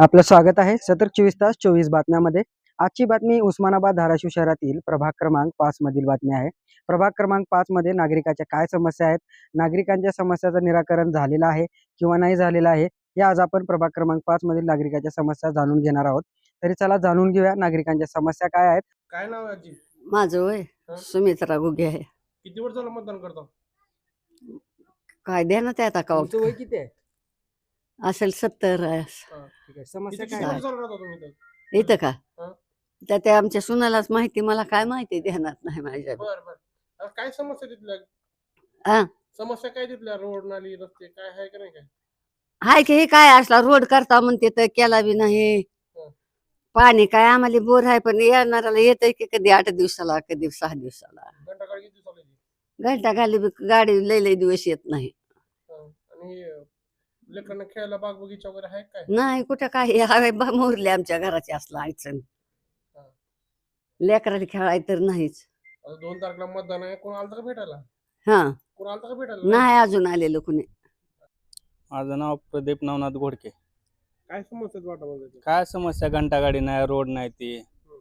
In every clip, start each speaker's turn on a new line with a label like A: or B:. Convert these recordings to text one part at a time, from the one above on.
A: आपलं स्वागत आहे सतत 24 तास 24 बातम्यामध्ये। आजची बातमी उस्मानाबाद धाराशिव शहरातील प्रभाग क्रमांक 5 मधील बातमी आहे। प्रभाग क्रमांक 5 मध्ये नागरिकांच्या काय समस्या आहेत, नागरिकांच्या समस्याचं निराकरण झालेलं आहे किंवा नाही झालेलं आहे, या आज आपण प्रभाग क्रमांक 5 मधील नागरिकांच्या समस्या जाणून घेणार आहोत। तरी चला जाणून घेऊया नागरिकांच्या समस्या काय आहेत।
B: काय नाव आहे आजी?
C: माझं वय
B: हं?
C: सुमित्रा गुगे आहे.
B: किती वर्ष झालं मतदान करतो?
C: काय देण्यात आता का
A: तुमचं वय किती आहे?
C: असेल 70 आहे.
A: ठीक आहे, समस्या
B: किती
A: काय
B: वर्ष
A: आहे?
B: झालं राहता तुम्ही इथं?
C: इथं का
B: हं?
C: त्या त्या आमच्या सुनालाच माहिती, मला काय माहिती ध्यानात नाही माझ्या.
B: बर बर. आता काय समस्या तिथल्या?
C: हा
B: समस्या काय तिथल्या? रोड नाली रस्ते काय आहे का नाही? काय
C: हाय की हे काय असला रोड करता म्हणते तर केला बी नाही.
B: हं.
C: पाणी काय आम्हाला बोर आहे, पण येणाऱ्याला येतंय की कधी 8 दिवसाला कधी 6 दिवसाला.
B: घंटा गाडी किती चालायची?
C: घंटा खाली गाडी लय दिवस येत नाही.
B: आणि लेकरांना खेळायला बाग बगीचा वगैरे आहे काय?
C: नाही कुठं काय हवे मोरले आमच्या घराचे असला अडचण.
B: हं.
C: लेकराला खेळाय तर नाहीच.
B: आता 2 तारखेला मतदान आहे, कोण आलं का भेटायला?
C: हा
B: कोण आलं का भेटायला?
C: नाही अजून आलेलं कुणी.
D: माझं नाव प्रदीप नवनाथ घोडके।
B: काय समस्या वाटत?
D: काय समस्या, घंटागाडी नाही, रोड नाही, ती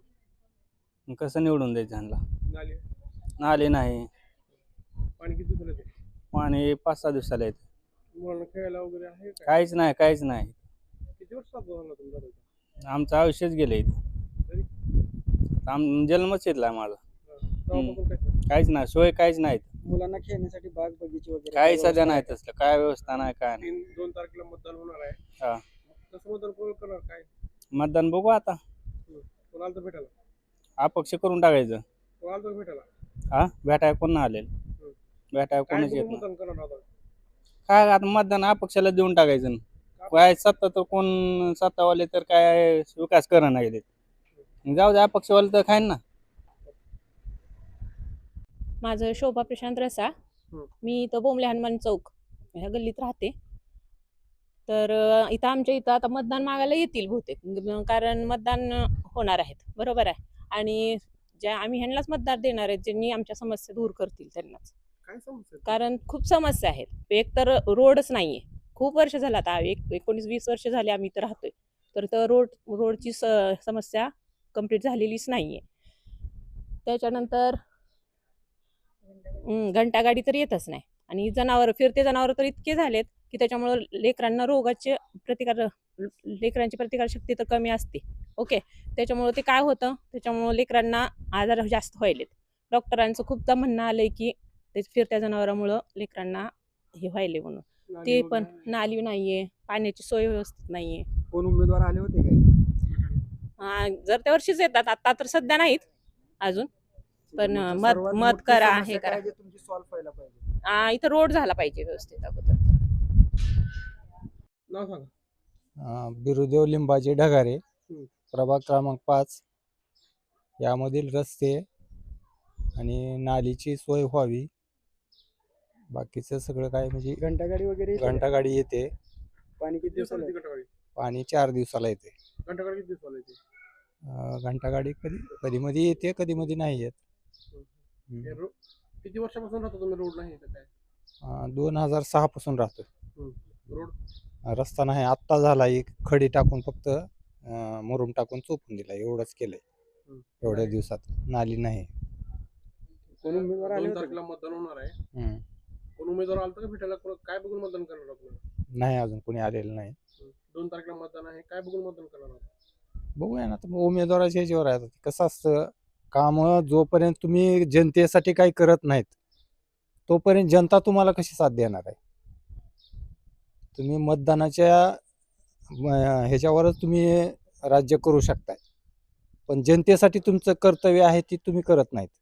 D: मग कसं निवडून द्यायचं ह्यांना?
B: नाली
D: नाली नाही,
B: पाणी किती चालायचं?
D: पाणी 5-6 दिवसाला येतं।
B: मुलांना खेळायला वगैरे आहे काय?
D: काहीच नाही, काहीच नाही।
B: किती वर्ष झालं तुमचा?
D: आमचं आयुष्यच गेलं इथं।
B: तरी
D: जन्मच इथला माझा।
B: तेव्हापासून काय?
D: काहीच नाही, सोय काहीच नाही,
A: मुलांना खेळण्यासाठी बाग बगीचे वगैरे
D: काही
A: काय
D: सध्या
A: व्यवस्था
D: नाही
A: आहे?
D: तसलं, काय व्यवस्था नाही, काय नाही।
B: 2 तारखेला मतदान होणार आहे.
D: हा,
B: कसं मतदान कोण करणार काय?
D: मतदान बघू आता,
B: कोण आलं तर भेटायला?
D: अपक्ष करून टाकायचं।
B: कोण आलं तर भेटायला?
D: हा, भेटाय कोण नाही आलेलं, भेटाय
B: काय
D: कोणच येत
B: बघून
D: नाही।
B: मतदान करणार आता?
D: काय आता मतदान अपक्षाला देऊन टाकायचं। काय सत्ता तर कोण सत्तावाले तर काय विकास करणं नाही देत, जाऊ द्या अपक्षवाले तर खाईन ना।
E: माझं शोभा प्रशांत रसा. मी इथं बोंबले हनुमान चौक ह्या गल्लीत राहते. तर इथं आमच्या इथं आता मतदान मागायला येतील बहुतेक, कारण मतदान होणार आहेत, बरोबर आहे। आणि ज्या आम्ही ह्यांनाच मतदार देणार आहेत, ज्यांनी आमच्या समस्या दूर करतील त्यांनाच।
B: काय समस्या?
E: कारण खूप समस्या आहेत, एक तर रोडच नाहीये, खूप वर्ष झालं आता 19-20 वर्ष झाले आम्ही इथं राहतोय, तर रोडची समस्या कंप्लीट झालेलीच नाहीये। त्याच्यानंतर घंटागाडी तर येतच नाही, आणि फिरते जनावर तर इतके झालेत की त्याच्यामुळं लेकरांना लेकरांची प्रतिकारशक्ती तर कमी असते। ओके, त्याच्यामुळं ते काय होतं, त्याच्यामुळं लेकरांना आजार जास्त व्हायलेत। डॉक्टरांचं खूपदा म्हणणं आलंय की ते फिरत्या जनावरांमुळं लेकरांना हे व्हायले म्हणून। ते पण नाली नाहीये, पाण्याची सोय व्यवस्थित नाहीये।
A: कोण उमेदवार आले होते काय?
E: जर त्या वर्षीच येतात, आता तर सध्या नाहीत अजून, पण
A: सर्वात
E: मत
A: मोठी
E: करा,
A: समस्या
E: हे करा।
A: काय जे तुमची सॉल्व्ह व्हायला पाहिजे?
E: इथं रोड झाला पाहिजे व्यवस्थित अगोदर।
B: नाव सांगा.
F: बिरुदेव लिंबाचे ढगारे,
B: हम्म.
F: प्रभाग क्रमांक 5, यामधील रस्ते आणि नालीची सोय व्हावी, बाकीचं सगळं काय म्हणजे
A: घंटागाडी वगैरे येते का?
F: घंटागाडी येते,
A: पाणी किती दिवसाला येतं?
B: घंटागाडी
F: पाणी 4 दिवसाला येते.
B: किती दिवसाला येते?
F: घंटागाडी कधी मध्ये येते, कधी मध्ये नाही येत.
B: किती वर्षापासून राहतो तुम्ही? रोड नाही इथं काय?
F: 2006 पासून राहतो.
B: रोड
F: रस्ता नाही, आत्ता झाला, एक खडी टाकून फक्त मुरुम टाकून चोपून दिला, एवढंच केलंय एवढ्या दिवसात. नाली नाही.
A: कोण उमेदवार आले
B: 2
A: होते?
B: तारखेला मतदान होणार आहे,
F: हम्म.
B: कोण उमेदवार आलं का भेटायला? काय बघून मतदान करणार आपल्याला?
F: नाही, अजून कोणी आलेलं नाही.
B: 2 तारखेला मतदान आहे, काय बघून मतदान करणार आता?
F: बघूया ना, तर उमेदवाराच्या ह्याच्यावर आहे. कसं असतं, काम जोपर्यंत तुम्ही जनतेसाठी काही करत नाहीत तोपर्यंत जनता तुम्हाला कशी साथ देणार आहे? तुम्ही मतदानाच्या ह्याच्यावरच तुम्ही राज्य करू शकताय, पण जनतेसाठी तुमचं कर्तव्य आहे ती तुम्ही करत नाहीत.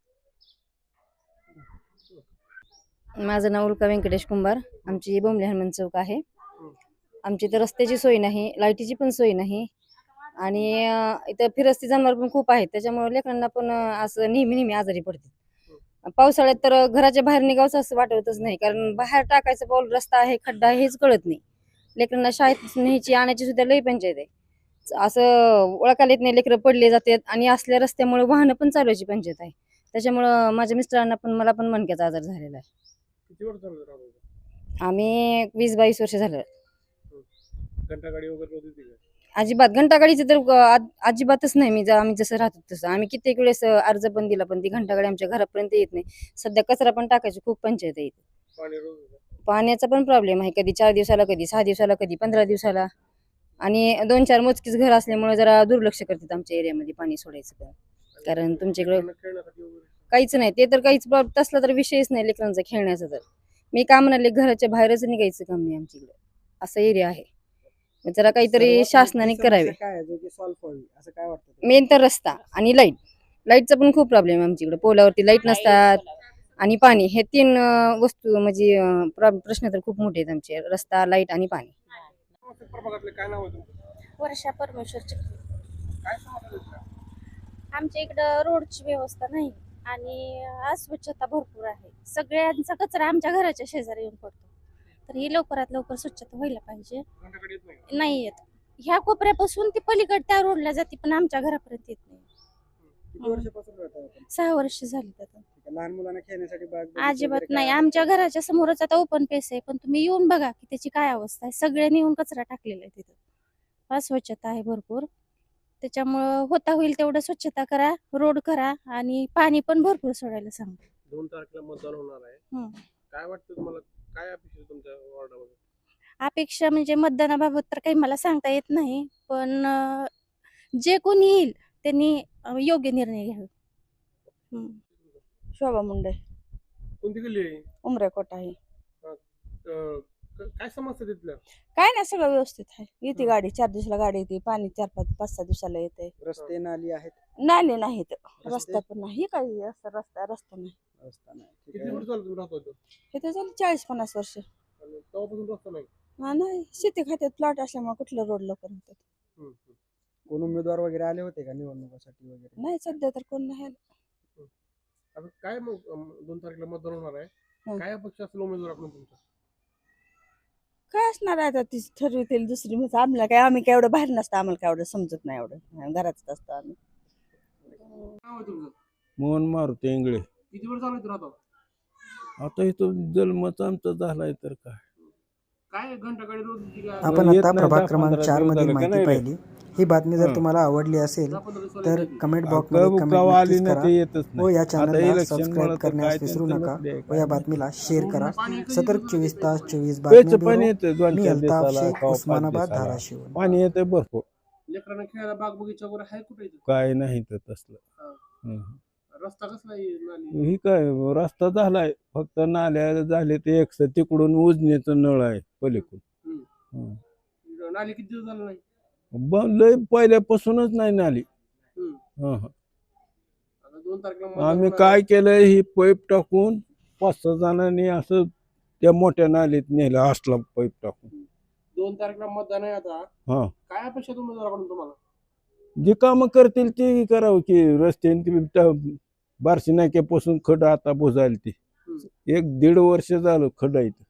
G: माझं नाव उल्का व्यंकटेश कुंभार. आमची बोंबले हनुमान चौक आहे. आमची इथं रस्त्याची सोय नाही, लाईटीची पण सोय नाही, आणि इथं फिरस्ती जनावर पण खूप आहेत, त्याच्यामुळे लेकरांना पण असं नेहमी आजारी पडते। पावसाळ्यात तर घराच्या बाहेर निघावंच असं वाटतच नाही, कारण बाहेर टाकायचं पाऊल रस्ता आहे, खड्डा आहे, हेच कळत नाही। लेकरांना शाळेत न्यायची आणायची सुद्धा लई पंचायत आहे, असं ओळखायला येत नाही, लेकरं पडले जातात, आणि असल्या रस्त्यामुळे वाहनं पण चालवायची पंचायत आहे। त्याच्यामुळं माझ्या मिस्टरांना पण मला पण मणक्याचा आजार झालेला आहे।
B: किती वर्ष झालं राहतो?
G: आम्ही 20-22 वर्ष झालं।
B: घंटागाडी वगैरे होती का?
G: अजिबात घंटागाडीचं तर अजिबातच नाही. आम्ही जसं राहतो तसं आम्ही कित्येक वेळेस अर्ज पण दिला, पण ती घंटागाडी आमच्या घरापर्यंत येत नाही. सध्या कचरा पण टाकायची खूप पंचायत आहे इथे.
B: पाणी रोज येतं.
G: पाण्याचा पण प्रॉब्लेम आहे, कधी 4 दिवसाला, कधी 6 दिवसाला, कधी 15 दिवसाला. आणि 2-4 मोजकीच घर असल्यामुळे जरा दुर्लक्ष करतात आमच्या एरियामध्ये पाणी सोडायचं पण. कारण तुमच्याकडे
B: लेकरांना खेळण्यासाठी वगैरे
G: काहीच नाही, ते तर काहीच तसला तर विषयच नाही लेकरांचा खेळण्याचा. तर मी काय म्हणाले, घराच्या बाहेरच निघायचं काम नाही आमच्याकडे, असा एरिया आहे. मग जरा काहीतरी
A: सर्वात मोठी
G: शासनाने
A: समस्या
G: करावे.
A: काय आहे जो की सॉल्व्ह व्हावी असं काय वाटतं तुम्हाला?
G: मेन तर रस्ता आणि लाईटचा पण खूप प्रॉब्लेम आहे आमच्याकडे. पोलावरती लाईट नसतात आणि पाणी, हे 3 वस्तू म्हणजे प्रश्न तर खूप मोठे आहेत आमचे: रस्ता, लाईट आणि पाणी.
B: प्रभागातले काय नाव आहे तुमचं?
H: वर्षा परमेश्वरची.
B: काय समस्या आहेत?
H: आमच्या इकडं रोडची व्यवस्था नाही आणि अस्वच्छता भरपूर आहे. सगळ्यांचा कचरा आमच्या घराच्या शेजारी येऊन पडतो. तर ही लवकरात लवकर स्वच्छता व्हायला पाहिजे.
B: घंटागाडी येत नाही का?
H: नाही येत. ह्या कोपऱ्यापासून ती पलीकड त्या रोडला जाते, पण आमच्या घरापर्यंत येत नाही.
A: किती वर्षापासून राहता आपण?
H: 6 वर्ष झाली आता.
A: ठीक आहे. लहान मुलांना खेळण्यासाठी बाग बगीचा
H: अजिबात
A: वगैरे
H: नाही.
A: काय आहे?
H: आमच्या घराच्या समोरच आता ओपन पेस आहे, पण तुम्ही येऊन बघा की त्याची काय अवस्था आहे. सगळ्यांनी येऊन कचरा टाकलेला आहे तिथं. अस्वच्छता आहे भरपूर. त्याच्यामुळं होता होईल तेवढं स्वच्छता करा, रोड करा आणि पाणी पण भरपूर सोडायला सांगा.
B: 2 तारखेला मतदान होणार आहे.
H: हं.
B: काय वाटतं तुम्हाला, काय अपेक्षा आहे तुमच्या वॉर्डामध्ये?
H: अपेक्षा म्हणजे मतदानाबाबत तर काही मला सांगता येत नाही, पण जे कोणी येईल त्यांनी योग्य निर्णय घ्यावे. हं.
I: शोभा मुंडे,
B: कोणती गल्ली आहे?
I: उमरेकोट आहे.
B: काय समस्या तिथल्या?
I: काय नाही, सगळं व्यवस्थित आहे. येते गाडी 4 दिवसाला गाडी येते, पाणी 4-5-6 दिवसाला येते.
A: रस्ते नाली आहेत?
I: नाले नाहीत,
A: रस्ते?
I: रस्ता पण नाही. हे काही असं रस्ता नाही.
A: रस्ता नाही. ठीक
B: किती
A: आहे.
B: वर्ष झालं तुम्ही राहतो इथं?
I: हे तर झालं 40-50 वर्ष.
B: आणि तेव्हापासून रस्ता नाही?
I: नाही, शेती खात्यात प्लॉट असल्यामुळे कुठलं रोड लवकर होतात.
B: हं, हं.
A: कोण उमेदवार वगैरे आले होते का निवडणुकीसाठी वगैरे?
I: नाही, सध्या तर कोण नाही आलं.
B: आता काय मग 2 तारखेला मतदान होणार आहे.
I: हं.
B: काय अपेक्षा असेल उमेदवाराकडून तुमच्या?
I: काय असणार आहे आता, ती ठरवतील दुसरी. म्हणजे आम्ही काय एवढं बाहेर नसतं, आम्हाला काय एवढं समजत नाही. एवढं घरातच असतो आम्ही.
B: नाव आहे तुमचं?
J: मोहन मारुती इंगळे.
B: किती वर्ष झालं इथं राहतो?
J: आता इथं जन्मच आमचा झालाय तर काय.
B: काय घंटागाडी रोज येते का?
A: आपण
J: येत
A: आता
J: नाही,
A: प्रभाग
J: 10-15
A: क्रमांक 4
J: दिवस
A: मधील
J: झालं का
A: माहिती
J: नाही रे?
A: पाहिली. ही बातमी जर
J: हं.
A: तुम्हाला आवडली असेल
B: 10-15 दिवसाला
A: तर
B: येते.
A: कमेंट
J: कवा
A: बॉक्समध्ये कमेंट
J: आली
A: नक्कीच
J: ना ते
A: करा
J: येतच
A: व या
J: नाही. आता
A: चॅनलला
J: इलेक्शन
A: सबस्क्राईब
J: मला तर
A: करण्यास
J: काय
A: विसरू
J: त्यांचं
A: नका
J: नसले
A: व
J: काय
A: या
J: नाही.
A: बातमीला शेअर करा.
B: पाणी किती
A: सतर्क
B: दिवसाला
A: 24
B: येते?
A: तास 24
J: प्यायचं
A: बातमी
J: पाणी
A: ब्युरो.
J: येतं 2-4
A: मी अल्ताफ
J: दिवसाला
A: शेख,
J: कवा 5
A: उस्मानाबाद,
J: दिवसाला.
A: धाराशिव.
J: पाणी येते भरपूर.
B: लेकरांना खेळायला बाग बगीचा वगैरे आहे कुठे इथं?
J: काय नाही तर तसलं.
B: हा.
J: हं.
B: रस्ता कसला आहे? नाली?
J: ही काय रस्ता झालाय, फक्त नाल्या झाले ते एक तिकडून उजनीचं नळ आहे पलीकडून. हं.
B: नाली किती दिवस झालं नाही?
J: लय पहिल्यापासूनच नाही नाली.
B: हं.
J: हं.
B: आता 2 तारखेला मतदान
J: आम्ही
B: होणार
J: काय
B: आहे.
J: केलं, ही पाईप टाकून 5-6 जणांनी असं त्या मोठ्या नालीत नेलं, असला पाईप टाकून.
B: 2 तारखेला मतदान आहे आता.
J: हा,
B: काय अपेक्षा आहे उमेदवाराकडून तुम्हाला?
J: जे कामं करतील ते करावं की. रस्त्याने बारशी नाक्यापासून खड आता बुजायला ती
B: हं.
J: 1-1.5 वर्ष झालं खड आहे इथं.